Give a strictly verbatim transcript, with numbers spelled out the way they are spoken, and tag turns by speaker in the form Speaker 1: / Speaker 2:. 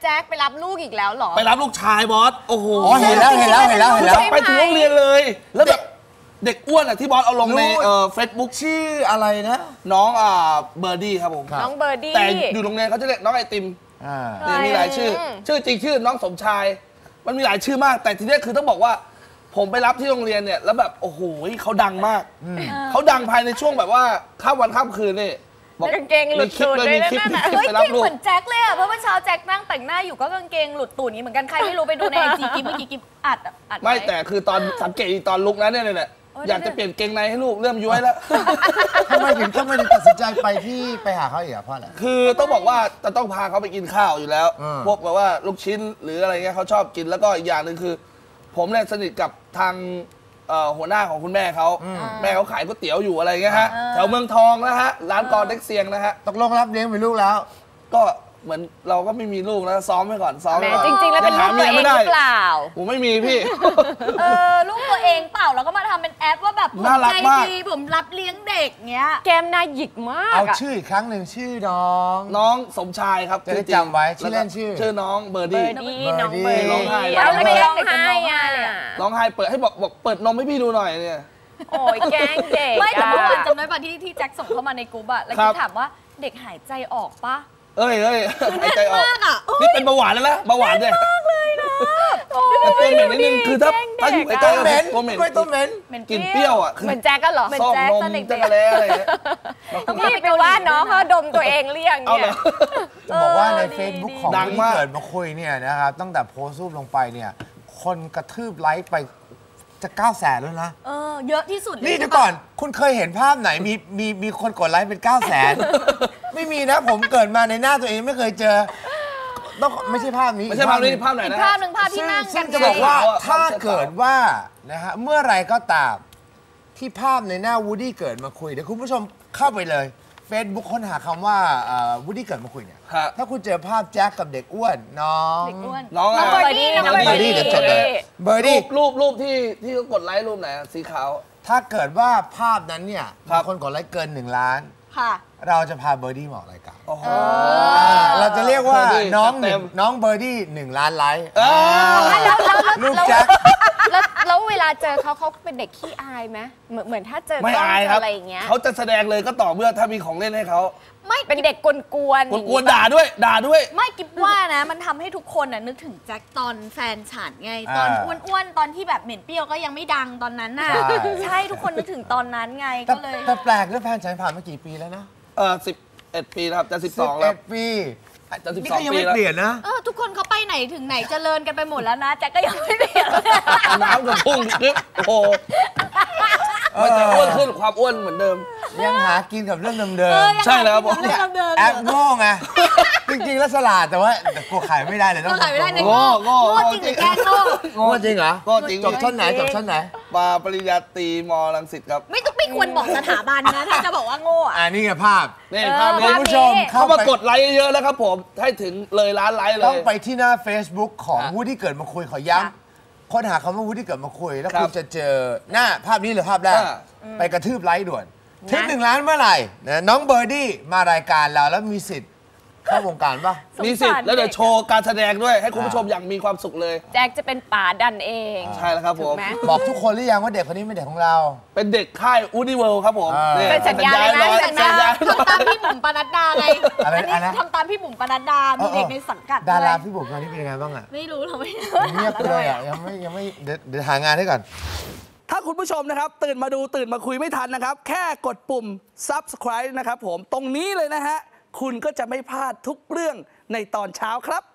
Speaker 1: แจ็คไปรับลูกอีกแล้วหรอ
Speaker 2: ไปรับลูกชายบอสโอ้โห
Speaker 3: เห็นแล้วเห็นแล้วเห็นแล้วเห็นแล้ว
Speaker 2: ไปถึงโรงเรียนเลยแล้วแบบเด็กอ้วนอ่ะที่บอสเอาลงในเอ่อเฟซบุ๊ก
Speaker 3: ชื่ออะไรนะ
Speaker 2: น้องอ่าเบอร์ดี้ครับผม
Speaker 1: น้องเบอร์ดี้
Speaker 2: แต่อยู่โรงเรียนเขาจะเรียกน้องไอติมเนี่ยมีหลายชื่อชื่อจริงชื่อน้องสมชายมันมีหลายชื่อมากแต่ทีนี้คือต้องบอกว่าผมไปรับที่โรงเรียนเนี่ยแล้วแบบโอ้โหเขาดังมากเขาดังภายในช่วงแบบว่าข้ามวันข้ามคืนนี่
Speaker 1: กางเกงหลุดตูดเลยนั่นน่ะ
Speaker 4: เฮ้ยเก่งเหมือนแจ็คเลยอ่ะเพราะว่าเช้าแจ็คนั่งแต่งหน้าอยู่ก็กางเกงหลุดตูดนี้เหมือนกันใครไม่รู้ไปดูในไอจีกิมเมื่อกี้กิมอัดอัด
Speaker 2: ไม่แต่คือตอนสังเกตตอนลุกนั้นเนี่ยเนี่ยอยากจะเปลี่ยนเกงในให้ลูกเริ่มย้วยแล้ว
Speaker 3: ทำไมถึงทำไมถึงตัดสินใจไปที่ไปหาเขาอีกอ่ะพ่ออะไร
Speaker 2: คือต้องบอกว่าจะต้องพาเขาไปกินข้าวอยู่แล้วพวกแบบว่าลูกชิ้นหรืออะไรเงี้ยเขาชอบกินแล้วก็อีกอย่างหนึ่งคือผมเนี่ยสนิทกับทางหัวหน้าของคุณแม่เขาแม่เขาขายก๋วยเตี๋ยวอยู่อะไรเงี้ยฮะแถวเมืองทองนะฮะร้านกอเด็กเซียงนะฮะ
Speaker 3: ตกลงรับเลี้ยงเป็นลูกแล้ว
Speaker 2: ก็เหมือนเราก็ไม่มีลูกนะซ้อมไว้ก่อนซ้อมไว้ก่อน
Speaker 1: จริงๆแล้วเป็นลูกตัวเองหรือเปล่า
Speaker 2: ผมไม่มีพี่
Speaker 4: เออลูกตัวเองเปล่าแล้วก็มาทำเป็นแอปว่าแบบผมใจดีผมรับเลี้ยงเด็กเงี้ย
Speaker 1: แกมน่าหยิกมาก
Speaker 3: เอาชื่ออีกครั้งหนึ่งชื่อน้อง
Speaker 2: น้องสมชายครับ
Speaker 3: จะได้จำไว้ชื่อเล่นชื่อ
Speaker 2: ชื่อน้องเบอร์ดี้
Speaker 1: น้องเบอร์ดี้
Speaker 2: ร้องไห้
Speaker 1: แล้วไม่ร้องไห้อ่ะ
Speaker 2: ร้องไห้เปิดให้บอกบอกเปิดนมให้พี่ดูหน่อยเนี่ย
Speaker 1: โอ้ยแกล้งเด็ก
Speaker 4: ไม่แต่เมื่อวานจำได้ป่ะที่ที่แจ็คส่งเข้ามาในกลุ่มอะแล้วก็ถามว่าเด็กหายใจออกปะ
Speaker 2: เอ้ยเอ้ยหายใจออกนี่เป็นเบาหวานแล้วนะเบาหวานเนี่ย
Speaker 4: มากเลยนะ
Speaker 2: แต่ตัวเหม็นนิดนึงคือถ้าถ้าอยู่ใกล้ๆ
Speaker 3: ตัวเหม็น
Speaker 2: ตัวเหม็น
Speaker 3: ตัวเหม็น
Speaker 2: กลิ่นเปรี้ยวอ่ะ
Speaker 1: เหมือนแจ็คก็เหรอ
Speaker 4: เหมือนแจ็คตอนเด็กๆ
Speaker 2: อะไรเงี้ย
Speaker 1: นี่ไปว่าน้องเขาดมตัวเองเรียงเนี่ย
Speaker 3: จะบอกว่าใน Facebook ของที่เกิดมาคุยเนี่ยนะครับตั้งแต่โพสต์รูปลงไปเนี่ยคนกระทืบไลค์ไปจะเก้าแสนแล้วนะ
Speaker 4: เออเยอะที่สุด
Speaker 3: นี่เดี๋ยวก่อนคุณเคยเห็นภาพไหนมีมีมีคนกดไลค์เป็นเก้าแสนไม่มีนะผมเกิดมาในหน้าตัวเองไม่เคยเจอต้องไม่ใช่ภาพนี้
Speaker 2: ไม่ใช่ภาพนี้ภาพไหนนะ
Speaker 4: ภาพหนึ่งภาพที่นั่งกัน
Speaker 3: จะบอกว่าถ้าเกิดว่านะฮะเมื่อไรก็ตามที่ภาพในหน้าวูดดี้เกิดมาคุยเดี๋ยวคุณผู้ชมเข้าไปเลย Facebook ค้นหาคำว่าวูดดี้เกิดมาคุยเนี่ยถ้าคุณเจอภาพแจ็คกับเด็กอ้วนน้อง
Speaker 2: น้อง
Speaker 1: เบอร์ดี้น้องเบอร์ดี้
Speaker 3: เดี๋ยวจดเลยเบอร์ดี้
Speaker 2: รูปรูปที่ที่เขากดไลค์รูปไหนสีขาว
Speaker 3: ถ้าเกิดว่าภาพนั้นเนี่ยมีคนกดไลค์เกินหนึ่งล้านเราจะพาเบอร์ดี้มาออกรายการเราจะเรียกว่าน้องน้องเบอร์ดี้หนึ่งล้านไลค์ลูกแจ็ค
Speaker 1: แล้วแล้วเวลาเจอเขาเขาเป็นเด็กขี้อายไหมเหมือนเหมือนถ้าเจอไม่อายครับอะไรอย่างเงี้ย
Speaker 2: เขาจะแสดงเลยก็ต่อเมื่อถ้ามีของเล่นให้เขา
Speaker 4: ไม่
Speaker 1: เป็นเด็กกวนกวน
Speaker 2: กวนด่าด้วยด่าด้วย
Speaker 4: ไม่กิ๊บว่านะมันทำให้ทุกคนน่ะนึกถึงแจ็คตอนแฟนฉันไงตอนอ้วนๆตอนที่แบบเหม็นเปรี้ยวก็ยังไม่ดังตอนนั้นน่ะใช่ทุกคนนึกถึงตอนนั้นไงก็เลย
Speaker 3: แต่แปลกด้วยแฟนฉันผ่านมากี่ปีแล้วนะ
Speaker 2: เออสิบเอ็ดปีครับจะสิบสองแล้ว
Speaker 3: ปี
Speaker 2: จะสิบสองปี
Speaker 3: แล้วเปลี่ยนนะ
Speaker 4: เออทุกคนเขาไปไหนถึงไหนเจริญกันไปหมดแล้วนะแจ็คก็ยังไม่เปลี่ยน
Speaker 2: น้ำกับพุ่งโอ้โหมันจะอ้วนขึ้นความอ้วนเหมือนเดิม
Speaker 3: ยังหากินกับเรื่องเดิม
Speaker 2: ๆใช่แล้วผม
Speaker 3: แอปโง่ไงจริงๆแล้วฉลาดแต่ว่ากลัวขายไม่ได้เลยต้อง
Speaker 4: ขายไม่ได้
Speaker 2: โง่โง่
Speaker 4: โง่จริงหรือแกโง่
Speaker 3: โง่จริงเหรอ
Speaker 2: โง่จริง
Speaker 3: จบชั้นไหนจบชั้นไหน
Speaker 2: มาปริญญาตรีมรังสิตครับ
Speaker 4: ไม่ต้องไม่ควรบอกสถาบันนะถ้าจะบอกว่าโง่
Speaker 3: อ่านี่ไงภาพ
Speaker 2: นี่ภาพ
Speaker 3: คุณผู้ชม
Speaker 2: เข้ามากดไลค์เยอะแล้วครับผมให้ถึงเลยล้านไลค์เลย
Speaker 3: ต้องไปที่หน้า Facebook ของวูดดี้เกิดมาคุยขอย้ำค้นหาคำว่าวูดดี้เกิดมาคุยแล้วคุณจะเจอหน้าภาพนี้หรือภาพแรกไปกระทืบไลค์ด่วนถึงหนึ่งล้านเมื่อไหร่นะน้องเบอร์ดี้มารายการเราแล้วมีสิทธิ์เข้าวงการป่ะ
Speaker 2: มีสิทธิ์แล้วเดี๋ยวโชว์การแสดงด้วยให้คุณผู้ชมอย่างมีความสุขเลย
Speaker 1: แจ็คจะเป็นป่าดันเอง
Speaker 2: ใช่แล้วครับผม
Speaker 3: บอกทุกคนหรือยังว่าเด็กคนนี้เป็นเด็กของเรา
Speaker 2: เป็นเด็กค่ายอูนิเวิลด์ครับผม
Speaker 1: เป็นสัญญาเลยนะ
Speaker 4: สัญญาทำตามพี่บุ๋มปนัดดาไงอันนี้ทำตามพี่บุ๋มปนัดดามีเด็กในสังกัด
Speaker 3: ดาราพี่บุ๋มตอนนี้เป็นยังไงบ้างอ่ะ
Speaker 4: ไม่รู้เราไม่
Speaker 3: เงียบเลยอ่ะยังไม่ยังไม่เดี๋ยวหางานให้ก่อน
Speaker 2: ถ้าคุณผู้ชมนะครับตื่นมาดูตื่นมาคุยไม่ทันนะครับแค่กดปุ่ม ซับสไครบ์ นะครับผมตรงนี้เลยนะฮะคุณก็จะไม่พลาดทุกเรื่องในตอนเช้าครับ